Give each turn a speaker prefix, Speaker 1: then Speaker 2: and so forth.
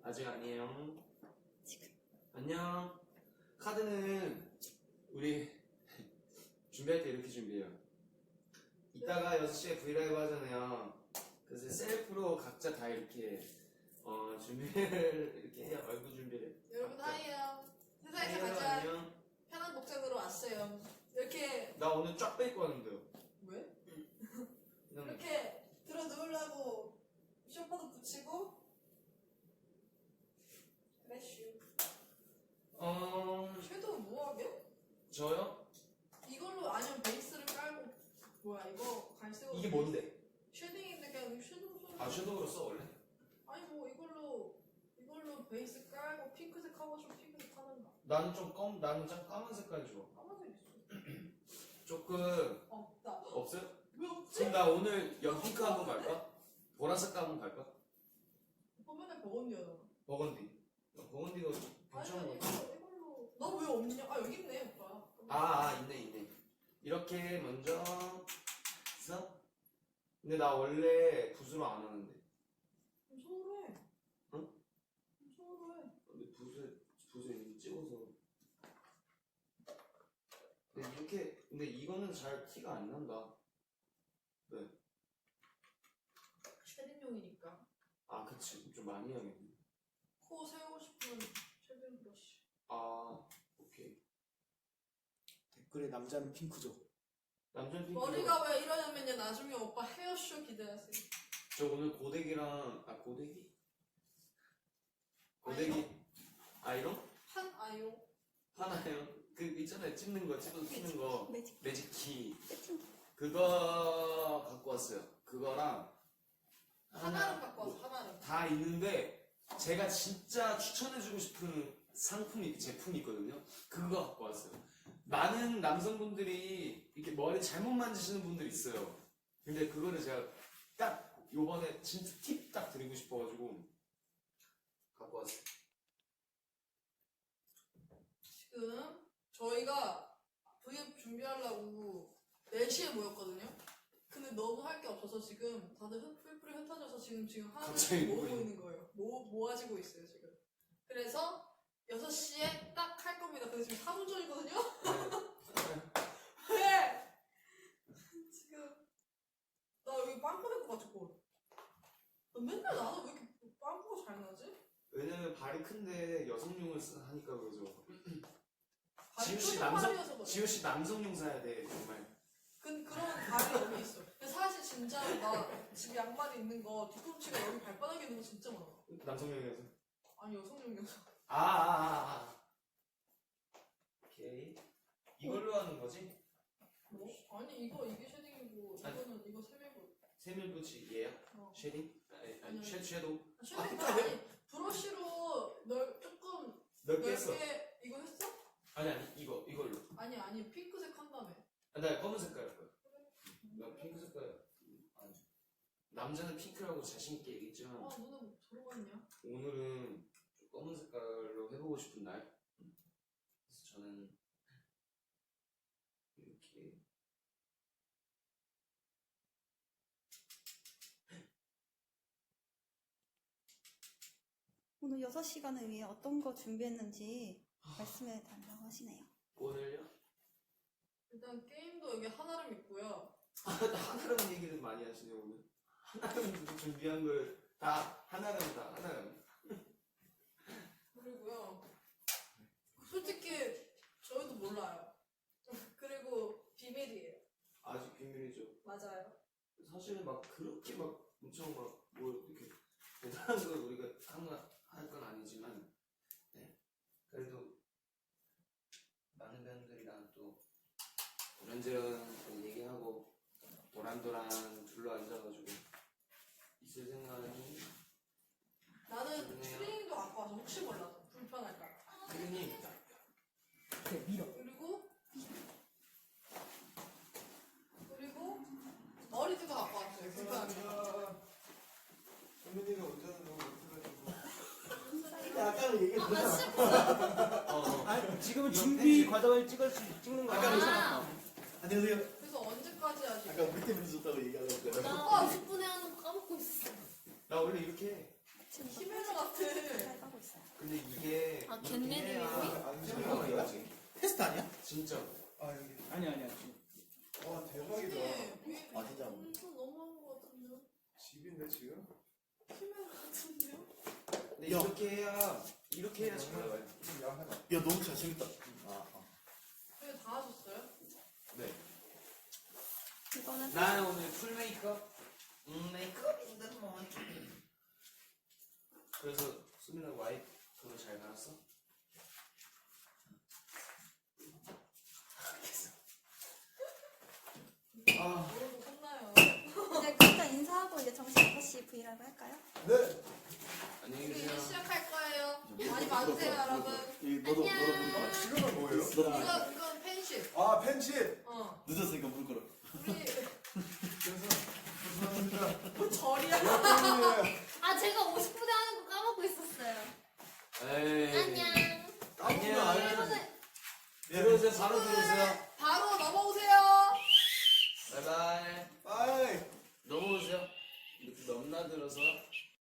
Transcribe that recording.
Speaker 1: 아직 아니에요. 안녕. 카드는 우리 준비할 때 이렇게 준비해요. 이따가 6시에 브이라이브 하잖아요. 그래서 셀프로 각자 다 이렇게 준비를 이렇게 해요. 얼굴 준비를.
Speaker 2: 여러분 하이요. 세상에서
Speaker 1: 안녕,
Speaker 2: 가장
Speaker 1: 안녕.
Speaker 2: 편한 복장으로 왔어요. 이렇게
Speaker 1: 나 오늘 쫙 뺄 거였는데요.
Speaker 2: 왜?
Speaker 1: 그냥
Speaker 2: 이렇게 들어 누우려고 쇼파도 붙이고 그래슈. 섀도우 뭐하게?
Speaker 1: 저요?
Speaker 2: 이걸로 아니면 베이스를 깔고 뭐야 이거 갈색으로
Speaker 1: 이게 뭔데?
Speaker 2: 쉐딩인데 그냥 섀도우 써.
Speaker 1: 아 섀도우로 써 원래?
Speaker 2: 아니 뭐 이걸로 베이스 깔고 핑크색 하고 싶으면 핑크색 하는가.
Speaker 1: 나는 좀 까만 색깔 좋아.
Speaker 2: 까만색 있어.
Speaker 1: 조금
Speaker 2: 없다.
Speaker 1: 없어요?
Speaker 2: 왜 없지?
Speaker 1: 그럼 나 오늘 연핑크 한번 갈까? 보라색 한번 갈까?
Speaker 2: 화면에 버건디하잖아.
Speaker 1: 버건디. 버건디가 괜찮은 거 같아.
Speaker 2: 이걸로 나 왜 없냐? 아 여기 있네 오빠.
Speaker 1: 있네. 이렇게 먼저 써? 근데 나 원래 붓으로 안 하는데.
Speaker 2: 좀 서울해.
Speaker 1: 응?
Speaker 2: 좀 서울해.
Speaker 1: 근데 붓에 이렇게 찍어서. 근데 이거는 잘 티가 안 난다. 네.
Speaker 2: 쉐딩용이니까.
Speaker 1: 아, 그치. 좀 많이 해야겠네.
Speaker 2: 코 세우고 싶으면 쉐딩 브러쉬.
Speaker 1: 아, 오케이.
Speaker 3: 댓글에 남자는 핑크죠.
Speaker 1: 남자 핑크.
Speaker 2: 머리가 왜 이러냐면요. 나중에 오빠 헤어쇼 기대하세요.
Speaker 1: 저 오늘 고데기랑 고데기? 고데기 아이롱?
Speaker 2: 한아용.
Speaker 1: 하나요? 그 있잖아요. 찍는 거 찍어서 키는 거 매직키
Speaker 4: 세팅기.
Speaker 1: 그거 갖고 왔어요. 그거랑
Speaker 2: 하나를 갖고 와서 하나를.
Speaker 1: 다 있는데 제가 진짜 추천해주고 싶은 제품이 있거든요. 그거 갖고 왔어요. 많은 남성분들이 이렇게 머리 잘못 만지시는 분들이 있어요. 근데 그거를 제가 딱 요번에 진짜 팁 딱 드리고 싶어가지고 갖고 왔어요.
Speaker 2: 지금 저희가 V앱 준비하려고 4시에 모였거든요. 근데 너무 할 게 없어서 지금 다들 풀풀이 흩어져서 지금
Speaker 1: 갑자기
Speaker 2: 하나씩 모으고
Speaker 1: 모이네.
Speaker 2: 있는 거예요. 모아지고 있어요 지금. 그래서 6시에 딱 할 겁니다. 근데 지금 4분 전이거든요. 왜? 지금 나 여기 빵꾸 낼것 같았고. 나 맨날 나는 왜 이렇게 빵꾸가 잘 나지?
Speaker 1: 왜냐면 발이 큰데 여성용을 하니까 그러죠.
Speaker 2: 발이
Speaker 1: 지우씨
Speaker 2: 뾰족한 발이어서 그래.
Speaker 1: 지우씨 남성용 사야 돼 정말.
Speaker 2: 그런 발이 여기 있어. 근데 사실 진짜 나 지금 양말이 있는 거 뒤꿈치가 여기 발바닥에 있는 거 진짜 많아.
Speaker 1: 남성용이어서.
Speaker 2: 아니 여성용이어서.
Speaker 1: 오케이. 이걸로 하는 거지?
Speaker 2: 뭐? 아니 이게 쉐딩이고 이거는 이거 세밀고.
Speaker 1: 세밀붙이 얘야?
Speaker 2: 어.
Speaker 1: 쉐딩?
Speaker 2: 아니요.
Speaker 1: 섀도우?
Speaker 2: 쉐딩도 아니 브러쉬로 조금
Speaker 1: 넓게 했어.
Speaker 2: 넓게 이거 했어?
Speaker 1: 아니 이걸로.
Speaker 2: 아니 핑크색 한 다음에.
Speaker 1: 나 검은 색깔 할 거야. 나 핑크 색깔. 아니. 남자는 핑크라고 자신 있게 얘기했지만
Speaker 2: 아 눈에 뭐 들어갔냐?
Speaker 1: 오늘은 좀 검은 색깔로 해보고 싶은 날. 그래서 저는 이렇게
Speaker 4: 오늘 6시간을 위해 어떤 거 준비했는지 말씀해 달라고 하시네요.
Speaker 1: 오늘요?
Speaker 2: 일단 게임도 여기 하나를 있고요.
Speaker 1: 하나라는 얘기를 많이 하시네요 오늘. 하나라는 준비한 걸 다 하나라는
Speaker 2: 그리고요. 솔직히 저희도 몰라요. 그리고 비밀이에요.
Speaker 1: 아직 비밀이죠.
Speaker 2: 맞아요.
Speaker 1: 사실은 막 그렇게 막 엄청 막 뭐 이렇게 대단한 걸 우리가 할 건 아니지만 네. 그래도 많은 분들이랑 또 이런저런 또 얘기하고 도란도란 둘러 앉아가지고 있을 생각은
Speaker 2: 나는
Speaker 1: 좋네요.
Speaker 2: 트레이닝도 갖고 와서 혹시 몰라서 불편할까.
Speaker 1: 선생님
Speaker 3: 그래 밀어.
Speaker 2: 그리고 머리도 갖고 왔어요. 불편하니까.
Speaker 3: 선배님이 운전을 너무 못해가지고. 아까는 얘기했잖아. 아니 지금은 준비 과정을 찍는 거야. 안녕하세요.
Speaker 2: 그래서 언제까지 하지?
Speaker 3: 아까 우리 때문에 좋다고 얘기하려고 했잖아.
Speaker 5: 오빠 10분에 하는 거 까먹고 있었어.
Speaker 1: 나 원래 이렇게 해.
Speaker 2: 히메라 같은.
Speaker 1: 근데 이게
Speaker 2: 아,
Speaker 1: 이렇게
Speaker 2: 겟레디
Speaker 1: 해야
Speaker 3: 안
Speaker 1: 효과가
Speaker 3: 지워요?
Speaker 1: 있지.
Speaker 3: 테스트 아니야?
Speaker 1: 진짜.
Speaker 3: 아 여기.
Speaker 5: 아니야.
Speaker 3: 와 대박이다.
Speaker 2: 아
Speaker 3: 진짜.
Speaker 2: 엄청 너무한 것 같은데요?
Speaker 3: 집인데 지금?
Speaker 2: 심한 것 같은데요?
Speaker 1: 근데
Speaker 3: 야.
Speaker 1: 이렇게 해야 잘 나와요.
Speaker 3: 좀 야하다. 야 너무 잘생겼다.
Speaker 2: 왜 다 하셨어요?
Speaker 1: 네.
Speaker 4: 이거는
Speaker 1: 나는 오늘 풀 메이크업. 메이크업인데 뭐. 그래서 수민아 와이프로 잘 갈았어? 아,
Speaker 2: 모르고 혼나요.
Speaker 4: 이제 일단 인사하고 이제 정식 6시 브이라고 할까요?
Speaker 3: 네.
Speaker 1: 안녕히
Speaker 2: 우리 이제
Speaker 1: 계세요.
Speaker 2: 시작할 거예요. 많이 봐주세요, 여러분.
Speaker 3: 너도 보니까. 지금은 뭐예요?
Speaker 2: 이건 팬십.
Speaker 3: 아 팬십.
Speaker 5: 늦었으니까 물 걸어.
Speaker 2: 우리
Speaker 3: 죄송합니다.
Speaker 2: 뭐 절이야.
Speaker 6: 아 제가 50분에 하는 거 까먹고 있었어요.
Speaker 1: 에이.
Speaker 6: 안녕.
Speaker 3: 까먹으면 알려줘.
Speaker 1: 들어오세요. 바로 들어오세요.
Speaker 2: 바로 넘어오세요.
Speaker 1: 바이바이.
Speaker 3: 빠이.
Speaker 1: 넘어오세요. 이렇게 넘나들어서